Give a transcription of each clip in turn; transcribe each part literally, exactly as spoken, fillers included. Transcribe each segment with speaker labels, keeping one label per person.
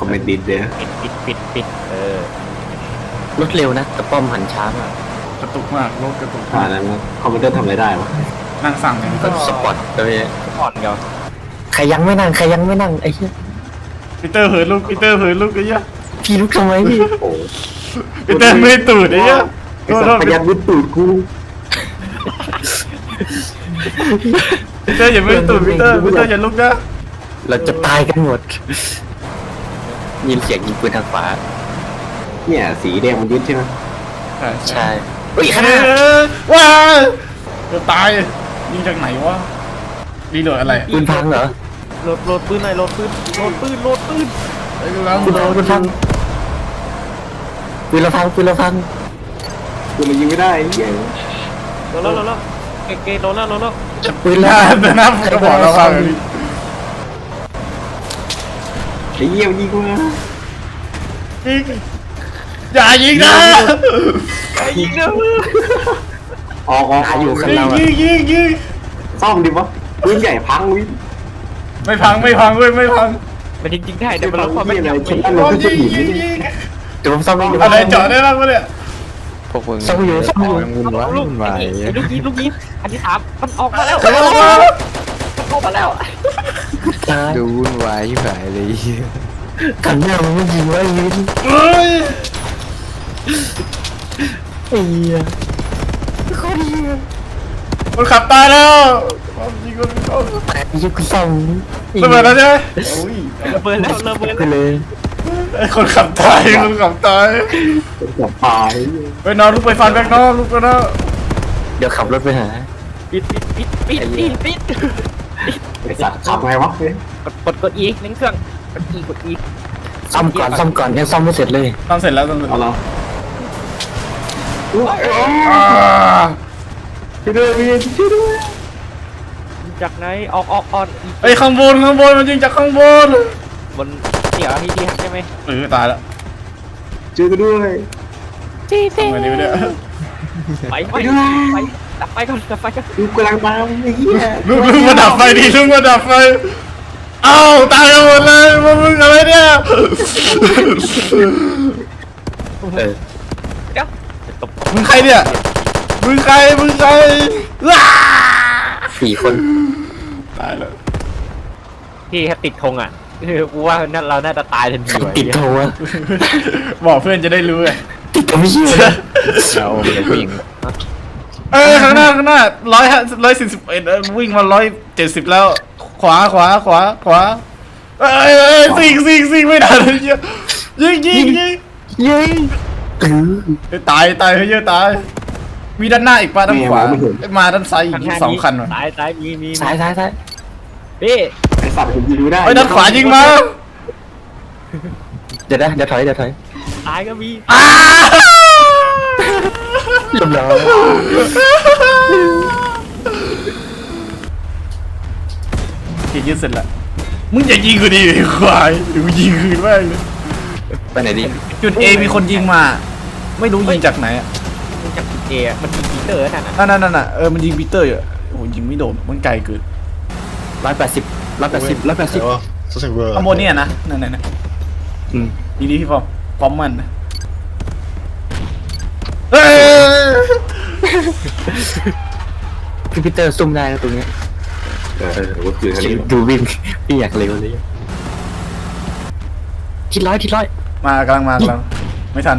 Speaker 1: อมเมนต์ดินเด้อ
Speaker 2: ปิดปิดปิดปิดเออ
Speaker 3: รถเร็วนะแต่ป้อมหันช้ามาก
Speaker 4: กระตุกมากรถกระตุก
Speaker 1: อ่าม
Speaker 4: าก
Speaker 1: นั้นคอมพิวเตอร์ทำอะไรได้วะ
Speaker 4: นั่งสั่งเนี่ย
Speaker 3: ก็สปอร์ตเลย
Speaker 2: อ่อนเดียว
Speaker 3: ใครยังไม่นั่งใครยังไม่นั่งไอ้เหี้ย
Speaker 4: ปีเตอร์เหินลูกปีเตอร์เหินลูกไอ้เหี้ย
Speaker 3: พี่ลุกทำไมพี่
Speaker 1: โอ้
Speaker 4: ปีเตอร์ไม่ตูดไอ้เหี้ย
Speaker 1: ไอ้สัตว์พยันวิดตูดกู
Speaker 4: ปีเตอร์อย่าไม่ตูดปีเตอร์ปีเตอร์อย่าลุกนะ
Speaker 3: เราจะตายกันหมดยินเสียงยิงปืนทางขวา
Speaker 1: เนี่ยสีแดงมันยึดใช่ไหม
Speaker 4: ใช่
Speaker 3: ใช่เฮ้ย
Speaker 4: เอ
Speaker 3: ข้างหน้า
Speaker 4: อว้าจะตายยิงจากไหนวะรีโหลดอะไร
Speaker 3: ปืนพังเหรอ
Speaker 2: โหลดโหลดปืนหน่อยโหลดปืนโหลดปืนโหลดปืน
Speaker 4: ไอ้กำลัง
Speaker 3: ปืนพังปืนพังปืนเราพังปืนเราพัง
Speaker 1: กูมันยิงไม่ได้ไอ้เหี้ย
Speaker 2: โหลดแล้วโหลดแล้วเก๋เก๋โหลดแล้วโหลดแล้ว
Speaker 3: ปืน
Speaker 4: ห
Speaker 3: เรา
Speaker 4: น้า
Speaker 3: พัง
Speaker 4: แต่หน้าก็บอกเราว่า
Speaker 1: ไอ้เหี้ยมันยิงกูนะ
Speaker 4: ยิงอย่ายิงนะ
Speaker 2: ไอ้ยิงเด้อ
Speaker 1: ออกออก
Speaker 3: หาอยู่ข้าง
Speaker 4: ยิ
Speaker 3: เรา
Speaker 4: ง
Speaker 3: อะ
Speaker 4: ยิงยิงยิง
Speaker 1: ซ่อมดิวะปืนใหญ่พังวิ
Speaker 4: ไม่พังไม่พังเว้ยไม่พัง
Speaker 2: มันจริงๆได้แต่มัน
Speaker 1: พั
Speaker 2: ล
Speaker 1: ง
Speaker 2: ดความ
Speaker 1: เหี้
Speaker 2: ไม่
Speaker 1: ยอะไร
Speaker 2: ยำ
Speaker 1: ชิ้น
Speaker 2: ไม่
Speaker 1: นั้นมันขึ้น
Speaker 4: ยิ
Speaker 1: หิ
Speaker 4: ง
Speaker 1: น
Speaker 4: ยิง
Speaker 1: นี่
Speaker 4: ยิง
Speaker 3: เดี๋ยวผมซ่อมให้ดู
Speaker 4: อะไรเจาะได้บ้างวะเนี่ย
Speaker 5: พวกมึง
Speaker 3: ซ่อมอยู่ซ่อมอยู่
Speaker 5: ยังวุ่นวาย
Speaker 2: ลูก
Speaker 5: วุ่นวาย
Speaker 2: ไอ้ลูกยิงลูกยิงอันที่สามมันออกมาแล้วมันออกมาแล้ว
Speaker 3: ตาย
Speaker 5: ดูวุ่นวายที่ไหนเลย
Speaker 3: ขันหน้ามันไม่ยิงไว้ยิง
Speaker 4: เฮ้ย
Speaker 3: ไอ้เหี้ยโคตรเหี้ย
Speaker 4: มันขับตายแล้วยิงคนเขา
Speaker 3: แต่ยิงกูซ่อม
Speaker 4: ระเบิดแล้วใช่ไหมโอ้ย
Speaker 2: ระเบิดแล้วระเบิด
Speaker 3: ไป
Speaker 2: แล้ว
Speaker 3: เลย
Speaker 4: ไอ้คนขับตายคนขับตาย
Speaker 1: เป็นกับตาย
Speaker 4: ไปนอนลุกไปฟันแบกนอนลุกไปนอน
Speaker 3: เดี๋ยวขับรถไปหา
Speaker 2: ปิดปิดปิดปิดปิดปิด
Speaker 1: ไอ้สัตว์ขับไงวะเฮ้ย
Speaker 2: กดกดกดอีเล่นเครื่องกดอีกดอี
Speaker 3: ซ่อมก่อนซ่อมก่อนยังซ่อมไม่เสร็จเลย
Speaker 4: ทำเสร็จแล้วทำเสร็จ
Speaker 1: เอาเรา
Speaker 4: อ่า
Speaker 1: ช่วยด้วยพี่ช่วยด้วย
Speaker 2: จากไหนออกออกออนอีก
Speaker 4: ไอ้ข้างบนข้างบนมันยิงจากข้างบน
Speaker 2: บนเดี๋ยวพี่พี่หักใช่ไหม
Speaker 4: เออตายแล้ว
Speaker 1: ช่วยกันด้วย
Speaker 2: จีจี
Speaker 4: ทำไงดีวะเนี่ย
Speaker 2: ไปไปไปดับไฟก่อนดับไฟก่อน
Speaker 1: กูกำลังตามไอ้เหี้ย
Speaker 4: ลุกลุกมาดับไฟดิลุกมาดับไฟเอ้าตายกันหมดเลยมึงมึงอะไรเนี่ย
Speaker 3: เออ
Speaker 2: เดี๋ยวตบ
Speaker 4: มึงใครเนี่ยมึงใครมึงใครว้า
Speaker 3: สี่คน
Speaker 4: ตายแล้ว
Speaker 2: พี่แค่ติดธงอ่ะกูว่านั่นเราน่าจะตายทันที
Speaker 3: ติดโทรอะ
Speaker 4: บอกเพื่อนจะได้รู้ไง
Speaker 3: ติดโทรไม่เชื่อ
Speaker 5: เราเป็นผู้หญิง
Speaker 4: เอ้ยข้างหน้าข้างหน้าร้อยร้อยสี่สิบเอ็ดวิ่งมาร้อยเจ็ดสิบแล้ว ขวาขวาขวาขวาเอ้ยเอ้ยซิงซิงซิงไม่ได้เลยเยอะยิงยิงยิง
Speaker 3: ยิงเออ
Speaker 4: เฮ้ยตายตายเฮ้ยเยอะตายมีด้านหน้าอีกป่ะด้านขวาเอ้ยมาด้านซ้ายอีกสองคันว่ะ
Speaker 2: ตายตายมีมี
Speaker 3: ซ้ายซ้ายซ้าย
Speaker 2: พี่
Speaker 1: ไอ้สัตว์ผมยิงไม่ได้
Speaker 4: เฮ้ยด้านขวายิงมา
Speaker 3: เดี๋ยวนะเดี๋ยวถอยเดี๋ยวถอย
Speaker 2: ตายก็มี
Speaker 4: อ้า
Speaker 3: เรียบร้อย
Speaker 4: เกียร์ยึดเสร็จแล้วมึงอย่ายิงกูดิไอ้ควายเดี๋ยวกูยิงคืนแม่งเลย
Speaker 3: ไปไหนดี
Speaker 4: จุด A มีคนยิงมา ไม่รู้ยิงจากไหนอ่ะ
Speaker 2: มันจับจุดเอมันมีปีเตอร์นั่นน่ะ
Speaker 4: นั่นนั่นนั่นน่ะเออมันยิงปีเตอร์อยู่โอ้โหยิงไม่โดนมันไกลเกิน
Speaker 3: ร้อยแปดสิบร้อยแปดสิบร้อยแปดสิบ
Speaker 4: ข้างบนเนี่ยนะนั่นนั่นนั่น
Speaker 3: อืม
Speaker 4: ดีดีพี่ฟอมพร้อมมันนะเอ้ย
Speaker 3: พี่พีเตอร์ซุ่มได้นะตรงเนี้ย
Speaker 1: เออเออว่าคือทันที
Speaker 3: ดูวิ่งพี่อยากเร็วเลยทิศร้อยทิศร้อย
Speaker 4: มากำลังมากำลังไม่ทัน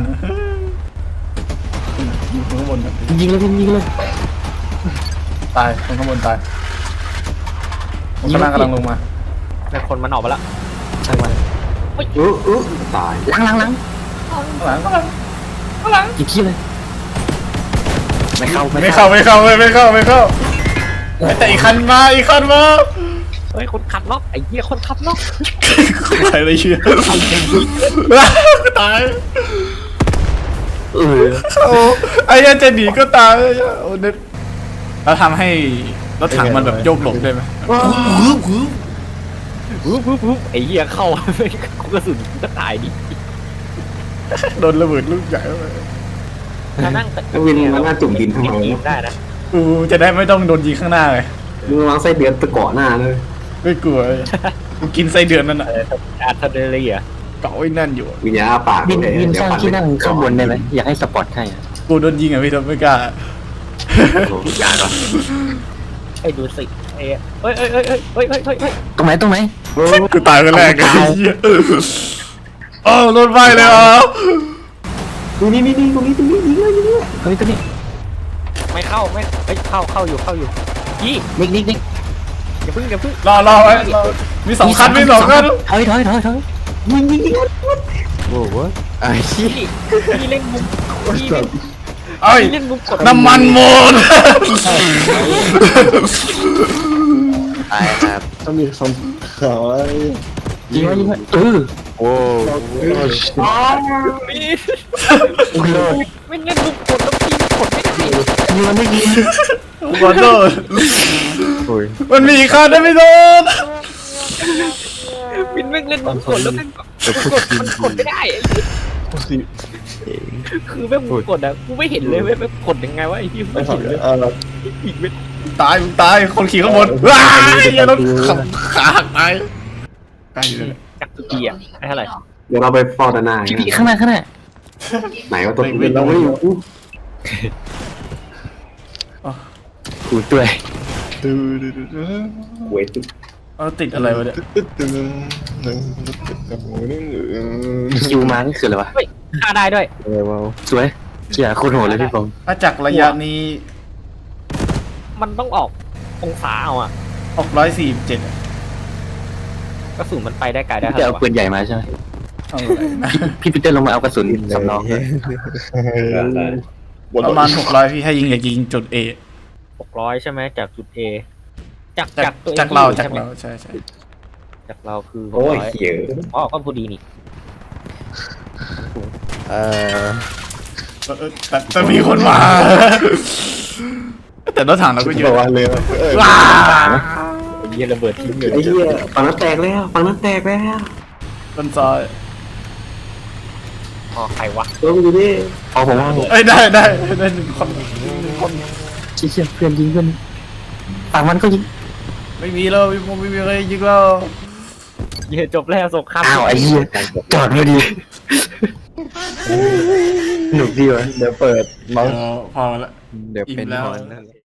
Speaker 4: ยิงข้างบนก่อน
Speaker 3: ยิงเลยยิงเลย
Speaker 4: ตายคนข้างบนตายคนข้างล่างกำลังลงมา
Speaker 2: แล้วคนมันออกมาแล้ว
Speaker 3: ช่างมัน
Speaker 1: เออเออตาย
Speaker 3: ล้างล้างล้าง
Speaker 4: ข้างหลังข้างหลังข้างหลัง
Speaker 3: ยิงขี้เลยไม่เข้า
Speaker 4: ไม่เข้าไม่เข้าไม่เข้าไม่เข้าแต่อีกคันมาอีกคันมา
Speaker 2: เฮ้ยคนขับล็อกไอ้เหี้ยคนขับล็อก
Speaker 4: ใครเลยเชื่อตาย
Speaker 3: เออ
Speaker 4: โอ้ไอ้ยันจะหนีก็ตายโอ้เน็ตเราทำให้รถถังมันแบบโยกหลบได้ไหม
Speaker 2: ปุ๊บปุ๊บปุ๊บไอ้เหี้ยเข้ากูกระสุนกูก็ตายดิ
Speaker 4: โดนระเบิดลูกใหญ่เข้าไป
Speaker 2: ถ้านั่ง
Speaker 1: แล้ววินมันน่าจุ่มดินทำไม
Speaker 2: ยิง
Speaker 1: วะ
Speaker 2: ได้นะ
Speaker 4: กูจะได้ไม่ต้องโดนยิงข้างหน้าเลย
Speaker 1: มึงวางไส้เดือนตะเกาะหน้าเลย
Speaker 4: ไม่กลัวกูกินไส้เดือนนั่นน่ะ
Speaker 2: เอออาร์เทอร์เรีย
Speaker 4: กเกาะไว้แน่นอยู่
Speaker 1: วิญญาณอาปาก
Speaker 3: วิน
Speaker 1: เลย
Speaker 3: วินสร้างที่นั่ง
Speaker 1: เดี๋ยว
Speaker 3: ข้างบนได้ไหมอยากให้สปอร์ตให้อะ
Speaker 4: กูโดนยิงอ่ะพี่ทำไม่กล้า
Speaker 3: อยากเหรอ
Speaker 2: ไอ้ดูสิไอ้เฮ้ยเฮ้ยเฮ้ยเฮ้ยเฮ้ยเฮ้ยเฮ้ย
Speaker 3: ตรงไหนตรงไหน
Speaker 4: กูตายคนแรกไอ้เหี้ยเออรถไฟเลยเหรอ
Speaker 1: ดูนี่นี่นี่ตรงนี้ตรงนี้ยิงเลยยิงเลย
Speaker 3: เฮ้ยตัวนี้
Speaker 2: ไม่เข้าไม่เฮ้ยเข้าเข้าอยู่เข้าอยู่ยี่
Speaker 3: นิกนิกนิก
Speaker 2: อย่าพึ่งอย่าพึ่ง
Speaker 4: รอรอไว้รอมีสองคันมีสองคัน
Speaker 3: ถอยถอยถอยถอยยิงยิงยิง
Speaker 5: โอ้โหไอ้เหี้ย
Speaker 2: พี่พี่เล่นมุมพี่เล่น
Speaker 4: เอ้ย
Speaker 2: พี่เล่นมุมกด
Speaker 4: น้ำมันหมด
Speaker 5: ตายครับ
Speaker 6: ต้องมีคำขาว
Speaker 3: ยิงไว้ยิงไว้เออ
Speaker 5: โอ้
Speaker 2: พี่
Speaker 3: โอ้โห
Speaker 2: ไม่เล่นมุมกดแล้วพี่กดไม่ได้
Speaker 3: ยิงมันไม่ยิง
Speaker 4: ขอโทษ
Speaker 5: โอ้ย
Speaker 4: มันมีอีกคันนะพี่โดน
Speaker 2: วินไม่เล่นมุมกดแล้วแม่งกดมันกดไม่ได้คือแม่งมุมกดอะกูไม่เห็นเลยแม่งกดยังไงวะไอ้พี่ไม่เห็นเลย
Speaker 6: เออ
Speaker 2: อีกเว้ย
Speaker 4: ตายมึงตายคนขี่ข้างบนว้ายเหี้ยรถขับขาหักตายตายอยู่เลย
Speaker 2: จากตุกีอะไอ้เท่าไหร่
Speaker 1: เดี๋ยวเราไปฟอร์ดานา
Speaker 3: พี่พี่ข้างหน้าข้างหน้า
Speaker 1: ไหนว่าตัวเป็นเราไม่อยู่
Speaker 3: กูด้วย
Speaker 6: ดูดูดูดู
Speaker 1: เวท
Speaker 4: เอาติดอะไรวะเนี่ย
Speaker 6: ตึ๊ดตึ๊ดตึ๊ดหนึ่งหนึ่ง
Speaker 3: คิวมานี่คืออะไรวะ
Speaker 2: ฆ่าได้ด้วย
Speaker 5: อะไรวะ
Speaker 3: สวยเชี่ยโคตรโหดเลยพี่ผม
Speaker 4: ถ้าจากระยะนี้
Speaker 2: มันต้องออกองศาเอาอะ
Speaker 4: หกร้อยสี่สิบเจ็ด
Speaker 2: กระสุนมันไปได้ไกลได้
Speaker 3: พี่
Speaker 2: เท่า
Speaker 3: จะ
Speaker 2: ไหร่
Speaker 3: เอา
Speaker 2: วะ
Speaker 3: ปืนใหญ่มาใช่ไหม
Speaker 4: เอาอะไรนะ
Speaker 3: พี่ปีเตอร์ลงมาเอากระสุนสำรอง
Speaker 4: ประมาณหกร้อยพี่ให้ยิงอย่ายิงจุดเอ
Speaker 2: หกร้อยใช่ไหมจากจุด A จาก
Speaker 4: จาก
Speaker 2: จากตัว
Speaker 4: จากเรา
Speaker 2: ที่อยู่
Speaker 4: จาก
Speaker 2: ใช่ไหม
Speaker 4: เราใช่ใช่
Speaker 2: จากเราคือหก
Speaker 1: โอ้ย
Speaker 2: ร้อย
Speaker 1: เขียว
Speaker 2: อ๋อก็พอดีนี่
Speaker 5: เอ่อ
Speaker 4: เออแต่แต่มีคนมา แต่รถถังเราก็เย
Speaker 6: บอ
Speaker 4: อะ
Speaker 6: กว่าเลยเออ
Speaker 4: ว้า
Speaker 2: ไอ้เหี้ยระเบิดทิ้งเลย
Speaker 1: ไอ้เหี้ยฝั่งนั้นแตกแล้วฝั่งนั้นแตกแล้ว
Speaker 4: ต้นซอย
Speaker 2: อ๋อใครวะ
Speaker 1: ตัวมันอยู่นี่
Speaker 3: เอาผมว่า
Speaker 4: เอ้ยได้ได้ได้หนึ่งคนหนึ่งคน
Speaker 3: เชี่ยเพื่อนยิงเพื่อนฝั่งมันก็ยิง
Speaker 4: ไม่มีแล้วไม่มีไม่มีอะไรยิงแล้ว
Speaker 2: เหี้ยจบแล้วสงคราม
Speaker 3: อ้าวไอ้เหี้ยจอดพอดีหนุกดีวะ
Speaker 6: เดี๋ยวเปิด
Speaker 4: เอ
Speaker 6: เมาส์
Speaker 4: อพอละ
Speaker 5: เดี๋ยวเป็น
Speaker 4: อิ่มแล้ว
Speaker 5: ฮอนนั่นแหละ